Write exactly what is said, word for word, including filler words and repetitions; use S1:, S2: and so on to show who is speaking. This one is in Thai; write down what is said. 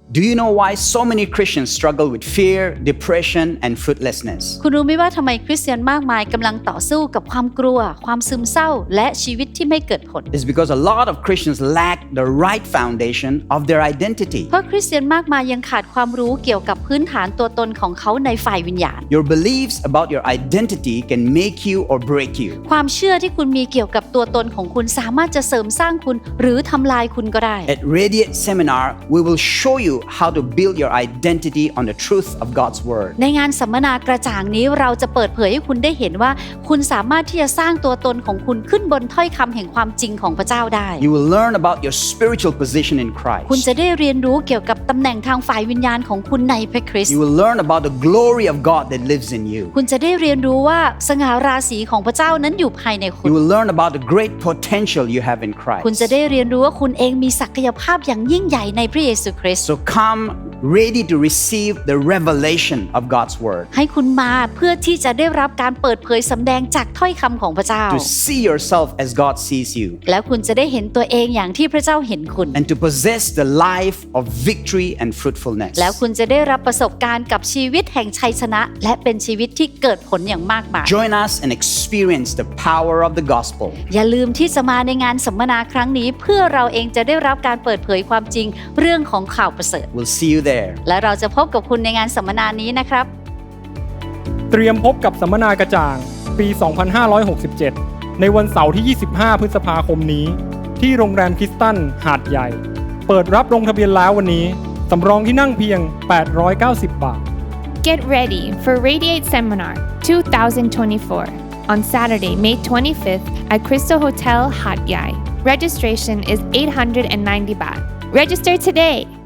S1: Do you know why so many Christians struggle with fear, depression, and fruitlessness?
S2: คุณรู้ไหมว่าทำไมคริสเตียนมากมายกำลังต่อสู้กับความกลัวความซึมเศร้าและชีวิตที่ไม่เกิดผล
S1: It's because a lot of Christians lack the right foundation of their identity.
S2: เพราะคริสเตียนมากมายยังขาดความรู้เกี่ยวกับพื้นฐานตัวตนของเขาในฝ่ายวิญญาณ
S1: Your beliefs about your identity can make you or break you.
S2: ความเชื่อที่คุณมีเกี่ยวกับตัวตนของคุณสามารถจะเสริมสร้างคุณหรือทำลายคุณก็ได้
S1: At Radiate Seminar, we will show you how to build your identity on the truth of God's Word.
S2: ในงานสัมมนากระจ่างนี้เราจะเปิดเผยให้คุณได้เห็นว่าคุณสามารถที่จะสร้างตัวตนของคุณขึ้นบนถ้อยคำแห่งความจริงของพระเจ้าได้
S1: You will learn about your spiritual position in
S2: คุณ
S1: Christ.
S2: จะได้เรียนรู้เกี่ยวกับตำแหน่งทางฝ่ายวิญญาณของคุณในพระคริสต์
S1: You will learn about the glory of God that lives in you.
S2: คุณจะได้เรียนรู้ว่าสง่าราศีของพระเจ้านั้นอยู่ภายในคุ
S1: You
S2: ณ
S1: will learn about the great potential you have in
S2: คุณ
S1: Christ.
S2: จะได้เรียนรู้ว่าคุณเองมีศักยภาพอย่างยิ่งใหญ่ในพระเยซูคริสต์
S1: So come ready to receive the revelation of God's Word.
S2: ให้คุณมาเพื่อที่จะได้รับการเปิดเผยสำแดงจากถ้อยคำของพระเจ้า
S1: To see yourself as God sees you.
S2: แล้วคุณจะได้เห็นตัวเองอย่างที่พระเจ้าเห็นคุณ
S1: And to possess the life of victory and fruitfulness.
S2: แล้วคุณจะได้รับประสบการณ์กับชีวิตแห่งชัยชนะและเป็นชีวิตที่เกิดผลอย่างมากมาย
S1: Join us and experience the power of the gospel.
S2: อย่าลืมที่จะมาในงานสัมมนาครั้งนี้เพื่อเราเองจะได้รับการเปิดเผยความจริงเรื่องของข่าวประเสริฐ
S1: We'll see you there.
S2: และเราจะพบกับคุณในงานสัมมนานี้นะครับ
S3: เตรียมพบกับสัมมนากระจ่างปี สองพันห้าร้อยหกสิบเจ็ด ในวันเสาร์ที่ ยี่สิบห้า พฤษภาคมนี้ที่โรงแรมคริสตันหาดใหญ่ เปิดรับลงทะเบียนแล้ววันนี้สำรองที่นั่งเพียง แปดร้อยเก้าสิบ บาท
S4: Get ready for Radiate Seminar twenty twenty-four on Saturday, May twenty-fifth at Crystal Hotel Hat Yai. Registration is eight hundred ninety baht. Register today!